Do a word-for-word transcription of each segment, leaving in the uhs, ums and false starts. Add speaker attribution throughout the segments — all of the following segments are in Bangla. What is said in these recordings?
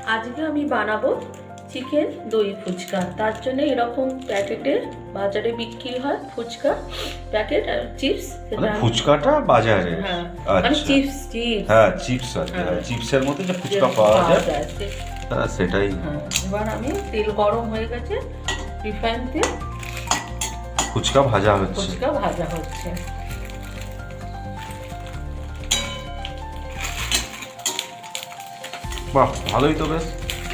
Speaker 1: আজকে আমি বানাবো চিকেন দই ফুচকা। তার জন্য এরকম প্যাকেটে বাজারে বিক্রি হয় ফুচকা প্যাকেট আর চিপস।
Speaker 2: মানে ফুচকাটা বাজারে?
Speaker 1: হ্যাঁ,
Speaker 2: আচ্ছা,
Speaker 1: মানে চিপস চিপস
Speaker 2: হ্যাঁ চিপস আছে,
Speaker 1: হ্যাঁ।
Speaker 2: চিপসের মধ্যে যে ফুচকা পাওয়া যায় হ্যাঁ সেটাই।
Speaker 1: হ্যাঁ, এবার আমি তেল গরম হয়ে গেছে, রিফাইন তেল,
Speaker 2: ফুচকা ভাজা হচ্ছে।
Speaker 1: ফুচকা ভাজা হচ্ছে।
Speaker 2: বাহ, ভালোই তো বেশ।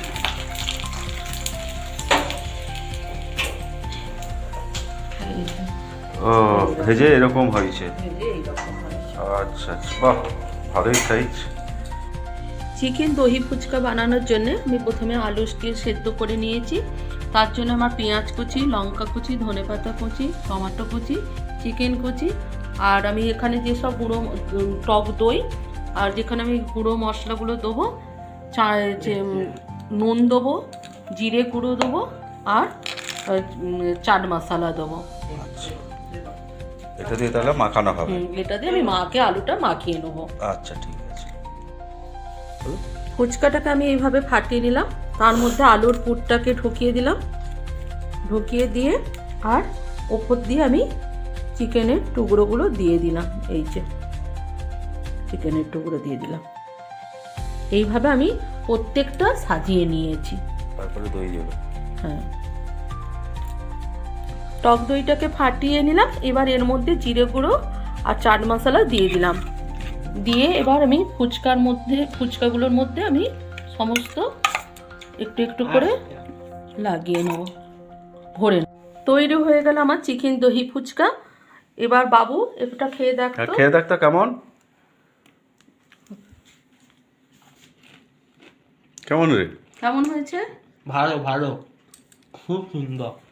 Speaker 2: ও ভেজে এরকম হয়েছে?
Speaker 1: ভেজে এইরকম হয়েছে।
Speaker 2: আচ্ছা আচ্ছা, বাহ ভালোই সাইজ।
Speaker 1: চিকেন দহি ফুচকা বানানোর জন্য আমি প্রথমে আলু দিয়ে সেদ্ধ করে নিয়েছি। তার জন্য আমার পেঁয়াজ কুচি, লঙ্কা কুচি, ধনেপাতা কুচি, টমেটো কুচি, চিকেন কুচি, আর আমি এখানে যেসব গুঁড়ো টক দই, আর যেখানে আমি গুঁড়ো মশলাগুলো দেবো, চা যে নুন দেবো, জিরে গুঁড়ো দেবো, আর চাট মশলা দেবো।
Speaker 2: আচ্ছা, এটা দিয়ে তাহলে মাখানো হবে?
Speaker 1: হুম, এটা দিয়ে আমি মাকে আলুটা মাখিয়ে নেবো।
Speaker 2: আচ্ছা ঠিক আছে।
Speaker 1: ফুচকাটাকে আমি এইভাবে ফাটিয়ে নিলাম, তার মধ্যে আলুর পুরটাকে ঢুকিয়ে দিলাম, ঢুকিয়ে দিয়ে আর ওপর দিয়ে আমি চিকেনের টুকরোগুলো দিয়ে দিলাম। এই যে চিকেনের টুকরো দিয়ে দিলাম। এইভাবে আমি প্রত্যেকটা সাজিয়ে নিয়েছি।
Speaker 2: তারপরে দই দেবো?
Speaker 1: হ্যাঁ, টক দইটাকে ফাটিয়ে নিলাম। এবার এর মধ্যে জিরে গুঁড়ো আর চাট মশলা দিয়ে দিলাম। দিয়ে এবার আমি ফুচকার মধ্যে ফুচকাগুলোর মধ্যে আমি সমস্ত একটু একটু করে লাগিয়ে নেব, ভরে নেব। তৈরি হয়ে গেল আমার চিকেন দহি ফুচকা। এবার বাবু এটা খেয়ে দেখ তো।
Speaker 2: খেয়ে দেখ তো কেমন কেমন রে?
Speaker 1: কেমন হয়েছে?
Speaker 3: ভালো ভালো, খুব সুন্দর।